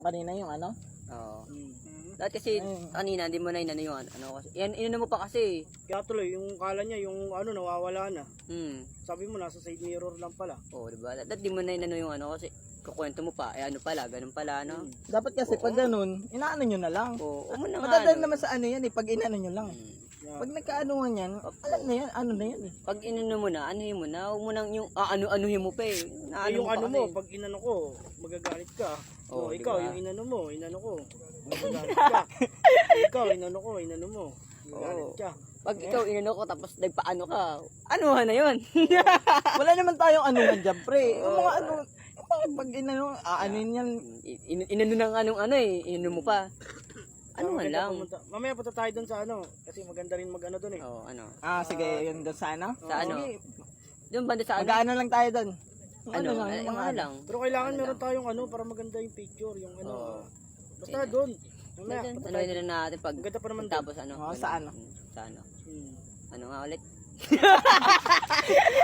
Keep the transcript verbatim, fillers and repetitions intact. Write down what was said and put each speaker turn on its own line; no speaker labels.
Kanina yung ano?
Oo.
Mm.
Dahil kasi
Ayun.
kanina hindi mo na inano yung ano, ano kasi. Yan inano mo pa kasi.
Kaya tuloy, yung kala niya, yung ano, nawawala na.
Hmm.
Sabi mo, nasa side mirror lang pala.
Oo, di ba? Dahil di mo na inano yung ano kasi kukwento mo pa, eh ano pala, ganun pala, no?
Mm.
Dapat kasi pag ganun, inaano nyo na lang.
Oo, o mo na nga,
Madadal
ano.
naman sa ano yan eh, pag inano nyo lang.
Hmm.
Yeah.
Pag nagkaanuhan yan, alam na yan, ano na yan eh.
Pag inano mo na, anuhin mo na, huwag mo nang yung, ah, ano-anuhin mo pa eh. Na,
Eh, yung
pa
ano
kasi.
mo, pag inano ko, magagalit ka.
Oo,
Oh, ikaw,
diba?
yung inano mo, inano ko. Magagalit ka. Ikaw, inano ko, inano mo. Magagalit
Oo.
ka.
Pag ikaw inano ko tapos nagpaano ka, ano na yun?
Wala naman tayong anuhan dyan, pre. Yung mga ano, yung mga pag inano, aanin yan.
In, inano ng anong ano eh, inano mo pa. Ano man
Maganda
lang.
pumunta. Mamaya punta tayo doon sa ano, kasi maganda rin mag ano doon eh.
Oo, ano.
Ah, sige, yun doon sa ano?
Sa ano?
Sige,
Doon banda sa ano?
mag-ano lang tayo doon. Yung
Ano,
lang,
ano,
yung mga
ano
ano.
lang.
Pero kailangan
Ano
meron
lang.
tayong ano para maganda yung picture, yung ano.
Oo.
Basta
Ayun.
doon. Mamaya,
Ano
punta
ano
tayo.
na natin pag
Maganda pa naman doon.
tapos ano?
Oo, sa ano?
Sa ano?
Hmm.
Ano nga ulit?